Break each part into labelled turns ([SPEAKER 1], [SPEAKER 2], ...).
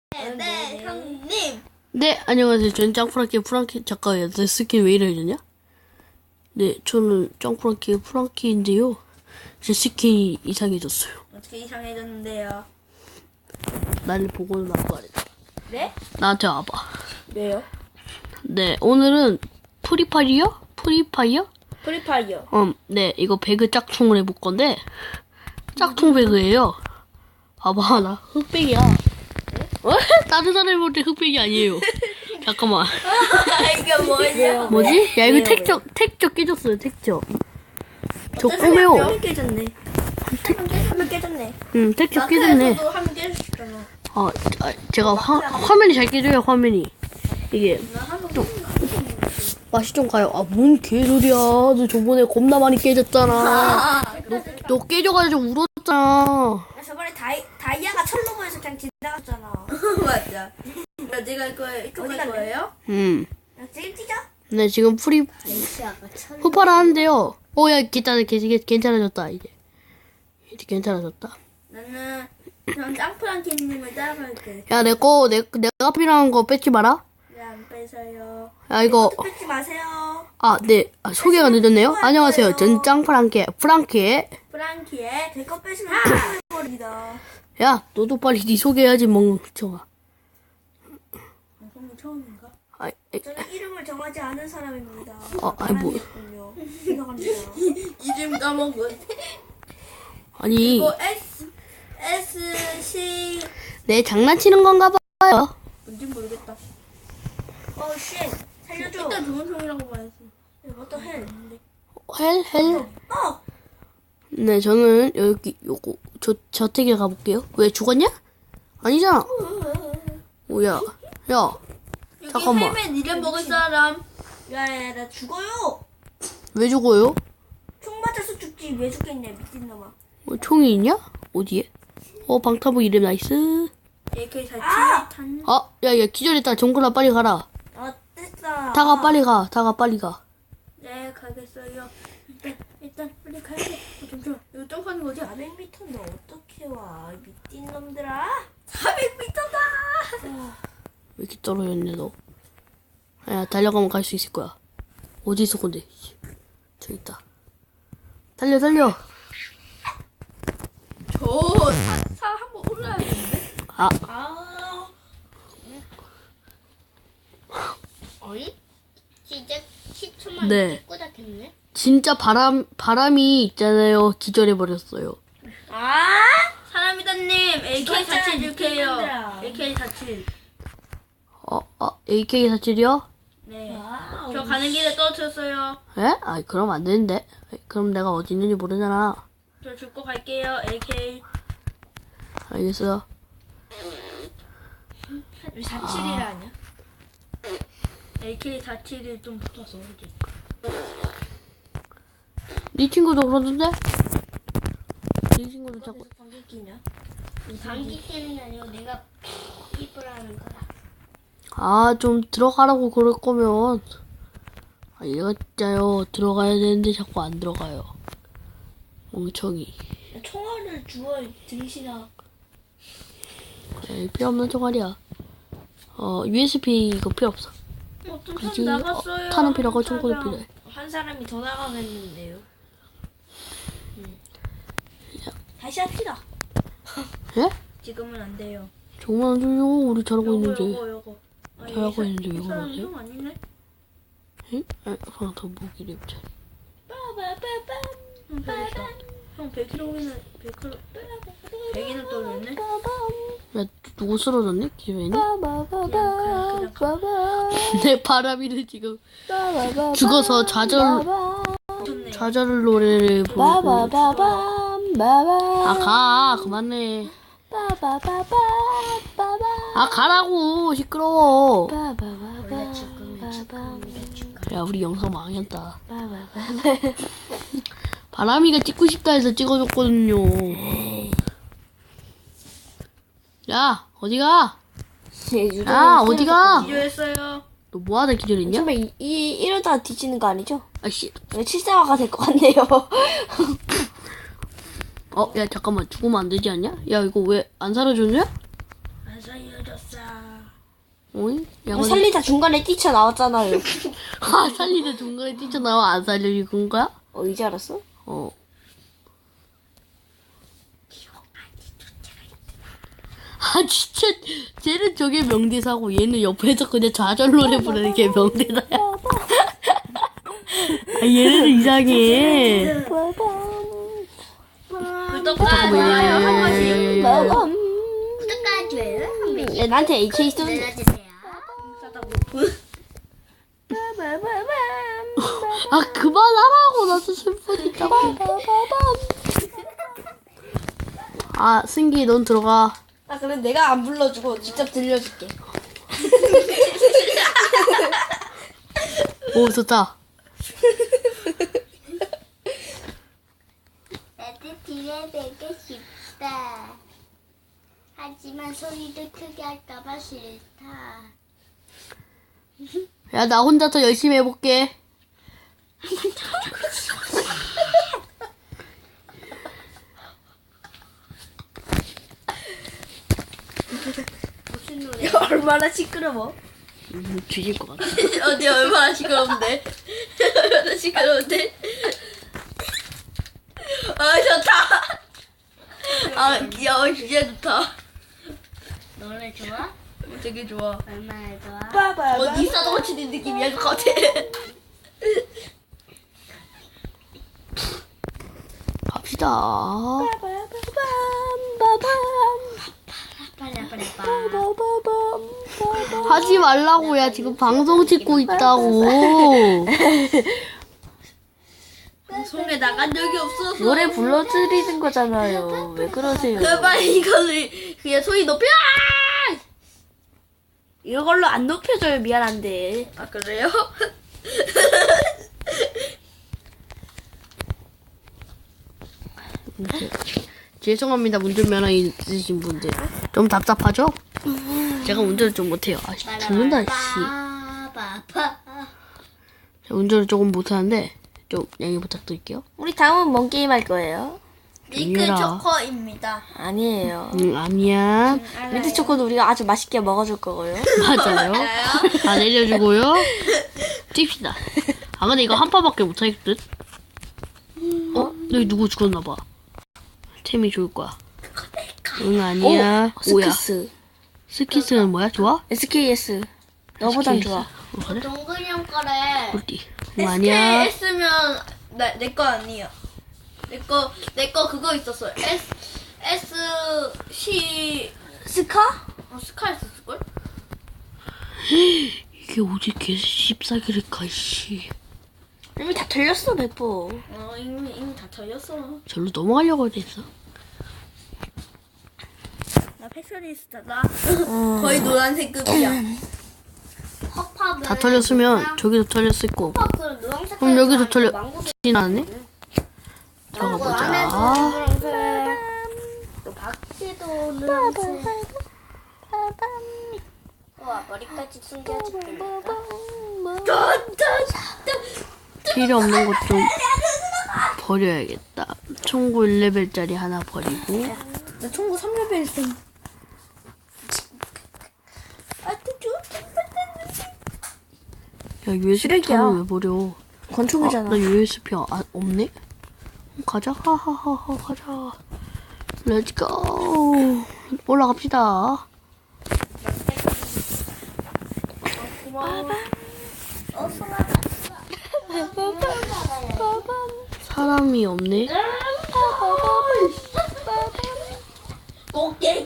[SPEAKER 1] 네, 형님.
[SPEAKER 2] 네, 안녕하세요. 저는 짱프랑키 잠깐만요. 내 스킨 왜 이러냐? 네, 저는 짱프랑키 프랑키인데요. 제 스킨이 이상해졌어요.
[SPEAKER 1] 어떻게 이상해졌는데요?
[SPEAKER 2] 나를 보고는 말해.
[SPEAKER 1] 네?
[SPEAKER 2] 나한테 와봐.
[SPEAKER 1] 왜요?
[SPEAKER 2] 네, 오늘은 프리파이어?
[SPEAKER 1] 프리파이어.
[SPEAKER 2] 네, 이거 배그 짝퉁을 해볼 건데, 짝퉁 배그예요. 봐봐, 나 흑백이야. 어? 다른 사람이 볼 때 흑백이 아니에요. 잠깐만.
[SPEAKER 1] 이게 뭐냐?
[SPEAKER 2] 뭐지? 야, 이거 택적 깨졌어요, 택적. 저 꼬매요.
[SPEAKER 1] 한번 깨졌네. 한번 깨졌네.
[SPEAKER 2] 택적 깨졌네.
[SPEAKER 1] 저도 한번 깨졌잖아.
[SPEAKER 2] 제가 화면이 잘 깨져요, 화면이. 이게. 맛이 좀 가요. 뭔 개소리야. 너 저번에 겁나 많이 깨졌잖아. 너 깨져가지고 울었잖아.
[SPEAKER 1] 저번에 다이아가 철로 보여서 그냥 지나갔잖아. 맞아. 내가 이거 갈 거예요? 지금 뛰자.
[SPEAKER 2] 네, 지금 후파를 하는데요. 야, 괜찮아졌다, 이제. 이제 괜찮아졌다.
[SPEAKER 1] 나는 전 짱프랑키님을 따라갈게.
[SPEAKER 2] 야, 내가 필요한 거 뺏지 마라.
[SPEAKER 1] 네, 안 뺏어요.
[SPEAKER 2] 야, 이거.
[SPEAKER 1] 뺏지 마세요.
[SPEAKER 2] 네. 소개가 늦었네요. 안녕하세요. 전 짱프랑키의
[SPEAKER 1] 프랑키의 제 거 뺏으면 해버립니다.
[SPEAKER 2] 야, 너도 빨리 네 소개해야지, 멍청아.
[SPEAKER 1] 방송 처음인가?
[SPEAKER 2] 아이,
[SPEAKER 1] 저는 이름을 정하지 않은 사람입니다.
[SPEAKER 2] 뭐.
[SPEAKER 1] 이상합니다. 이름 까먹은.
[SPEAKER 2] 아니.
[SPEAKER 1] 이거 SC.
[SPEAKER 2] 내 장난치는 건가 봐요.
[SPEAKER 1] 뭔지 모르겠다. 쉣. 살려줘. 일단 좋은 총이라고 말했어. 어떤 헬?
[SPEAKER 2] 헬? 네, 저는 요거, 저택에 가볼게요. 왜 죽었냐? 아니잖아. 야. 잠깐만.
[SPEAKER 1] 헬멧 이름 먹을 사람. 야, 나 죽어요.
[SPEAKER 2] 왜 죽어요?
[SPEAKER 1] 총 맞아서 죽지. 왜 죽겠냐, 미친놈아.
[SPEAKER 2] 총이 있냐? 어디에? 방타부 이름 나이스.
[SPEAKER 1] AK47 탄.
[SPEAKER 2] 야, 기절했다. 정글아, 빨리 가라.
[SPEAKER 1] 됐어.
[SPEAKER 2] 다가 빨리 가.
[SPEAKER 1] 네, 가겠어요. 일단 빨리 가야지. 잠시만. 이거 점프하는 거지? 400m인데 어떻게 와? 미친 놈들아. 400m다.
[SPEAKER 2] 왜 이렇게 떨어졌냐, 너? 야, 달려가면 갈 수 있을 거야. 어디 있어, 근데? 저기 있다. 달려.
[SPEAKER 1] 저 산 한번 올라야 되는데?
[SPEAKER 3] 어이? 진짜 10초만
[SPEAKER 2] 네.
[SPEAKER 3] 꽂았겠네?
[SPEAKER 2] 진짜 바람이 있잖아요. 기절해버렸어요.
[SPEAKER 1] 사람이다님. AK47 줄게요. AK47.
[SPEAKER 2] AK47이요?
[SPEAKER 1] 네. 저 가는 길에 떨어졌어요.
[SPEAKER 2] 에? 그럼 안 되는데. 그럼 내가 어디 있는지 모르잖아.
[SPEAKER 1] 저 죽고 갈게요. AK.
[SPEAKER 2] 알겠어요.
[SPEAKER 1] 왜 47이라냐? AK47이 좀 붙어서 그지?
[SPEAKER 2] 네 친구도 그러던데? 네 친구도 자꾸.
[SPEAKER 1] 방귀 끼냐?
[SPEAKER 3] 감기 끼는 게 아니고 내가 피부라는 거야.
[SPEAKER 2] 좀 들어가라고 그럴 거면. 얘가 진짜요. 들어가야 되는데 자꾸 안 들어가요. 멍청이.
[SPEAKER 1] 총알을 주워 들이시나?
[SPEAKER 2] 필요 없는 총알이야. USB 이거 필요 없어.
[SPEAKER 1] 어떤
[SPEAKER 2] 그지?
[SPEAKER 1] 사람 나갔어요.
[SPEAKER 2] 탄은 필요하고 총알이 필요해.
[SPEAKER 1] 한 사람이 더 나가겠는데요. 다시 합시다.
[SPEAKER 2] 예?
[SPEAKER 1] 지금은 안 돼요.
[SPEAKER 2] 정말 안 좋요. 우리 잘하고 있는데.
[SPEAKER 1] 요거.
[SPEAKER 2] 잘하고 있는데 왜
[SPEAKER 1] 사람
[SPEAKER 2] 그러세요?
[SPEAKER 1] 좀 아니네.
[SPEAKER 2] 응? 그럼 더 무기를 입자.
[SPEAKER 1] 형 100이다. 형 100kg이나 100이나 떨어졌네.
[SPEAKER 2] 야, 누구 쓰러졌네? 기회니?
[SPEAKER 1] 그냥
[SPEAKER 2] 내 바람이는 지금 죽어서
[SPEAKER 1] 좋네.
[SPEAKER 2] 좌절 노래를 부르고. 가. 그만해. 가라고. 시끄러워.
[SPEAKER 3] 원래 죽으면
[SPEAKER 2] 야, 우리 영상 망했다. 바람이가 찍고 싶다 해서 찍어줬거든요. 야, 어디가? 어디가?
[SPEAKER 1] 기도했어요.
[SPEAKER 2] 너 뭐하다 기절했냐?
[SPEAKER 4] 정말 이러다 뒤지는 거 아니죠?
[SPEAKER 2] 아씨.
[SPEAKER 4] 칠사화가 될 것 같네요.
[SPEAKER 2] 야, 잠깐만. 죽으면 안 되지 않냐? 야, 이거 왜 안 사라졌냐?
[SPEAKER 1] 안 살려줬어.
[SPEAKER 2] 어이? 양은
[SPEAKER 4] 살리다 중간에 뛰쳐나왔잖아요.
[SPEAKER 2] 아, 살리는 중간에 뛰쳐나와 안 살려준 거야?
[SPEAKER 4] 이제 알았어?
[SPEAKER 2] 어. 아, 진짜, 쟤는 저게 명대사고, 얘는 옆에서 그냥 좌절 노래 부르는 게 명대사야. 아, 얘는 이상해.
[SPEAKER 1] 구독하기와요 한 번씩.
[SPEAKER 3] 구독까지 한 번씩
[SPEAKER 4] 야, 나한테 HA 쏘는
[SPEAKER 3] 눌러주세요.
[SPEAKER 2] 아, 그만하라고, 나도 슬프니까. 아, 승기, 넌 들어가.
[SPEAKER 4] 아, 그래 내가 안 불러주고 직접 들려줄게.
[SPEAKER 2] 오, 좋다.
[SPEAKER 3] 나도 뒤에 베고 싶다. 하지만 소리를 크게 할까봐 싫다.
[SPEAKER 2] 야, 나 혼자서 열심히 해볼게.
[SPEAKER 1] 야, 얼마나 시끄러워.
[SPEAKER 2] 뒤질 것 같아.
[SPEAKER 1] 어디 얼마나 시끄러운데? 얼마나 시끄러운데? 아 좋다. 아 귀여워 진짜 좋다.
[SPEAKER 3] 노래 좋아?
[SPEAKER 1] 되게 좋아.
[SPEAKER 3] 얼마나 좋아?
[SPEAKER 1] 어디 싸도 치는 느낌이야 것 같아.
[SPEAKER 2] 갑시다. 하지 말라고, 야. 지금 방송 찍고 있다고.
[SPEAKER 1] 방송에 나간 적이 없어서.
[SPEAKER 4] 노래 불러드리는 거잖아요. 왜 그러세요?
[SPEAKER 1] 그만 이거를 그냥 소리 높여.
[SPEAKER 4] 이걸로 안 높여줘요. 미안한데.
[SPEAKER 1] 아 그래요?
[SPEAKER 2] 죄송합니다, 운전면허 있으신 분들. 좀 답답하죠? 제가 운전을 좀 못해요. 아, 씨, 죽는다, 씨.
[SPEAKER 3] 빠바바.
[SPEAKER 2] 제가 운전을 조금 못하는데, 좀 양해 부탁드릴게요.
[SPEAKER 4] 우리 다음은 뭔 게임 할 거예요?
[SPEAKER 1] 밀크
[SPEAKER 2] 아니라.
[SPEAKER 1] 초코입니다.
[SPEAKER 4] 아니에요.
[SPEAKER 2] 아니야.
[SPEAKER 4] 밀트 초코도 우리가 아주 맛있게 먹어줄 거고요.
[SPEAKER 2] 맞아요. 다 내려주고요. 찝시다. 아, 근데 이거 한 판밖에 못할 듯? 여기 누구 죽었나봐. 템이 좋을 거야. 응, 아니야. 오야.
[SPEAKER 4] 스키스.
[SPEAKER 2] 스키스는 뭐야? 좋아?
[SPEAKER 4] SKS. 너보단
[SPEAKER 2] SKS.
[SPEAKER 4] 좋아.
[SPEAKER 2] 그래?
[SPEAKER 3] 동근이 형 거래.
[SPEAKER 2] 꿀띠. 응, 아니야.
[SPEAKER 1] SKS면 내 거 아니야. 내 거 그거 있었어. SC
[SPEAKER 4] 스카?
[SPEAKER 1] 스카 있었을 걸?
[SPEAKER 2] 이게 어디 개십사기를 가, 씨.
[SPEAKER 4] 이미 다 틀렸어, 백보.
[SPEAKER 1] 이미 다 털렸어.
[SPEAKER 2] 절로 넘어가려고 했어.
[SPEAKER 1] 나 패셔니스타다. 거의 노란색급이야.
[SPEAKER 3] 컵팝은
[SPEAKER 2] 다 털렸으면 저기도 털렸을 거고.
[SPEAKER 3] 컵팝은 노란색.
[SPEAKER 2] 그럼 여기도 털려. 지나네?
[SPEAKER 3] 안에도
[SPEAKER 2] 적어보자.
[SPEAKER 3] 노란색. 또 박지도 노란색. 와 머리까지 숨겨줄게.
[SPEAKER 2] 필요 없는 것 좀 버려야겠다. 총구 1레벨짜리 하나 버리고.
[SPEAKER 1] 나 총구 3레벨 있어.
[SPEAKER 2] 야, USB탄을 왜 버려?
[SPEAKER 4] 권총이잖아.
[SPEAKER 2] 나 USB 없네? 가자. 하하하하, 가자. 렛츠고. 올라갑시다. 사람이 없네?
[SPEAKER 1] 꽃게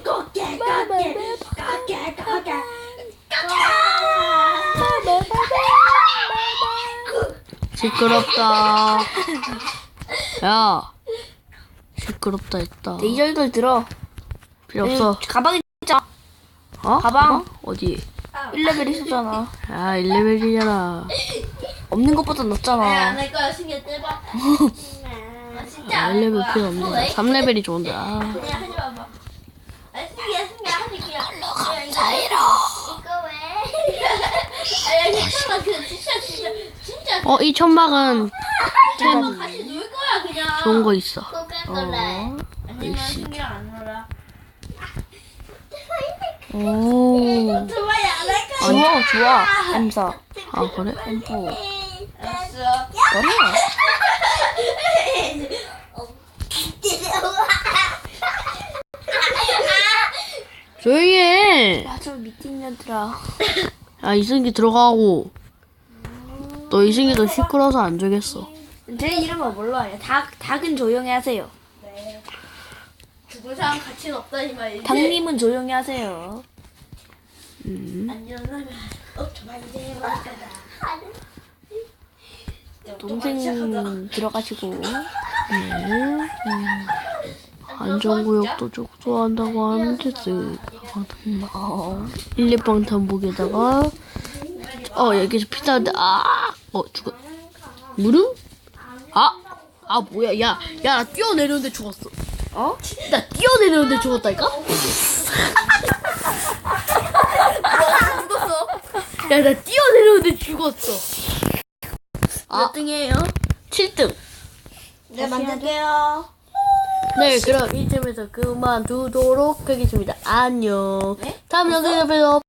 [SPEAKER 2] 시끄럽다. 야. 시끄럽다 했다.
[SPEAKER 4] 데이저 이걸 들어.
[SPEAKER 2] 필요 없어.
[SPEAKER 4] 가방에 있잖아.
[SPEAKER 2] 어?
[SPEAKER 4] 가방.
[SPEAKER 2] 어디?
[SPEAKER 4] 1레벨 있었잖아.
[SPEAKER 2] 아, 1레벨이잖아.
[SPEAKER 4] 없는 것보다 높잖아.
[SPEAKER 1] 안할 거야. 신경 떼봐. 아, 진짜
[SPEAKER 2] 아,
[SPEAKER 1] 안 할
[SPEAKER 2] 1레벨
[SPEAKER 1] 거야.
[SPEAKER 2] 필요 없네. 3레벨이 좋은데. 아.
[SPEAKER 1] 그냥 하지 마봐. 아, 승기야 하지 그냥.
[SPEAKER 4] 자이로.
[SPEAKER 3] 이거 왜?
[SPEAKER 1] 아야 괜찮아. 그 진짜.
[SPEAKER 2] 이 천막은
[SPEAKER 1] 같이 놀 거야 그냥.
[SPEAKER 2] 좋은 거 있어.
[SPEAKER 3] 꼭 할 거래.
[SPEAKER 1] 아니면 승기랑 안 놀아.
[SPEAKER 2] 오.
[SPEAKER 1] 오토바이 안 할 거야.
[SPEAKER 4] 좋아. M4.
[SPEAKER 2] 아, 그래?
[SPEAKER 4] M4.
[SPEAKER 1] 알았어.
[SPEAKER 4] 그래.
[SPEAKER 2] 조용히 해.
[SPEAKER 4] 맞아, 미팅 년들아.
[SPEAKER 2] 야, 이승기 들어가고. 너 이승기 너 시끄러워서 안 되겠어.
[SPEAKER 4] 제 이름은 몰라요. 닭은 조용히 하세요.
[SPEAKER 1] 네. 죽은 사람 가치는 없다니 말이지.
[SPEAKER 4] 닭님은 조용히 하세요.
[SPEAKER 1] 안전하면 오토바이 대박 거다.
[SPEAKER 4] 동생 들어가시고.
[SPEAKER 2] 안전구역도 좀 좋아한다고 하는데, 일립방탄복에다가, 여기서 피자인데, 죽었. 무릎? 뭐야, 야, 나 뛰어내렸는데 죽었어. 나 뛰어내렸는데 죽었다니까?
[SPEAKER 1] 죽었어.
[SPEAKER 2] 야, 나 뛰어내렸는데 죽었어.
[SPEAKER 1] 몇 등이에요?
[SPEAKER 2] 7등.
[SPEAKER 1] 네, 만들게요.
[SPEAKER 2] 네, 그럼 이쯤에서 그만두도록 하겠습니다. 안녕. 다음 영상에서 봬요.